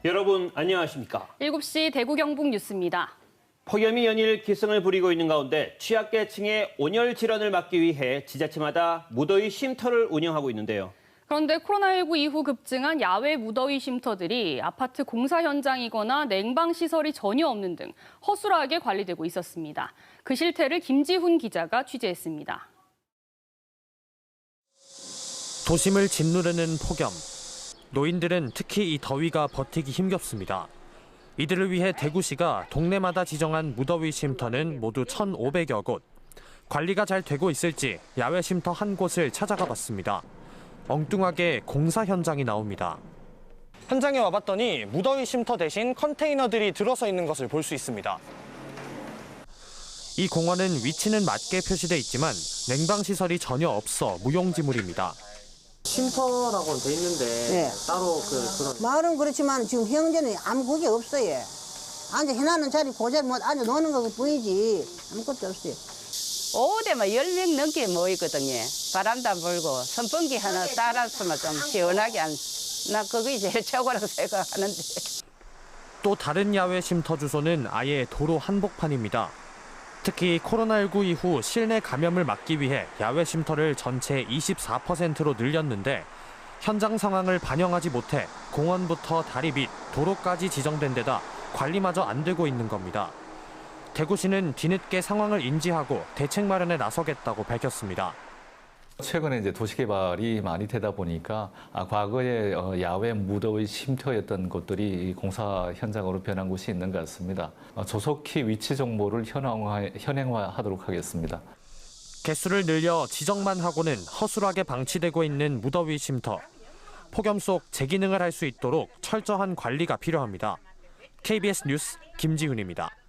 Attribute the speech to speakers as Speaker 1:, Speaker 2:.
Speaker 1: 여러분 안녕하십니까?
Speaker 2: 7시 대구 경북 뉴스입니다.
Speaker 1: 폭염이 연일 기승을 부리고 있는 가운데 취약계층의 온열 질환을 막기 위해 지자체마다 무더위 쉼터를 운영하고 있는데요.
Speaker 2: 그런데 코로나19 이후 급증한 야외 무더위 쉼터들이 아파트 공사 현장이거나 냉방시설이 전혀 없는 등 허술하게 관리되고 있었습니다. 그 실태를 김지훈 기자가 취재했습니다.
Speaker 3: 도심을 짓누르는 폭염. 노인들은 특히 이 더위가 버티기 힘겹습니다. 이들을 위해 대구시가 동네마다 지정한 무더위 쉼터는 모두 1,500여 곳. 관리가 잘 되고 있을지 야외 쉼터 한 곳을 찾아가 봤습니다. 엉뚱하게 공사 현장이 나옵니다. 현장에 와봤더니 무더위 쉼터 대신 컨테이너들이 들어서 있는 것을 볼 수 있습니다. 이 공원은 위치는 맞게 표시돼 있지만 냉방시설이 전혀 없어 무용지물입니다. 쉼터라고는 돼 있는데
Speaker 4: 네.
Speaker 3: 따로 그런
Speaker 4: 마을은 그렇지만 지금 현재는 아무 그게 없어요. 앉아 해놨는 자리 그 자리 뭐 앉아 노는 거 뿐이지 아무것도 없어요.
Speaker 5: 오후 되면 10명 넘게 모이거든요. 바람도 안 불고 선풍기 하나 따랐으면 좀 시원하게 나 그게 제일 최고라고 생각하는데.
Speaker 3: 또 다른 야외 쉼터 주소는 아예 도로 한복판입니다. 특히 코로나19 이후 실내 감염을 막기 위해 야외 쉼터를 전체 24%로 늘렸는데 현장 상황을 반영하지 못해 공원부터 다리 밑, 도로까지 지정된 데다 관리마저 안 되고 있는 겁니다. 대구시는 뒤늦게 상황을 인지하고 대책 마련에 나서겠다고 밝혔습니다.
Speaker 6: 최근에 이제 도시개발이 많이 되다 보니까 과거에 야외 무더위 쉼터였던 곳들이 공사 현장으로 변한 곳이 있는 것 같습니다. 조속히 위치 정보를 현행화하도록 하겠습니다.
Speaker 3: 개수를 늘려 지정만 하고는 허술하게 방치되고 있는 무더위 쉼터. 폭염 속 제기능을 할 수 있도록 철저한 관리가 필요합니다. KBS 뉴스 김지훈입니다.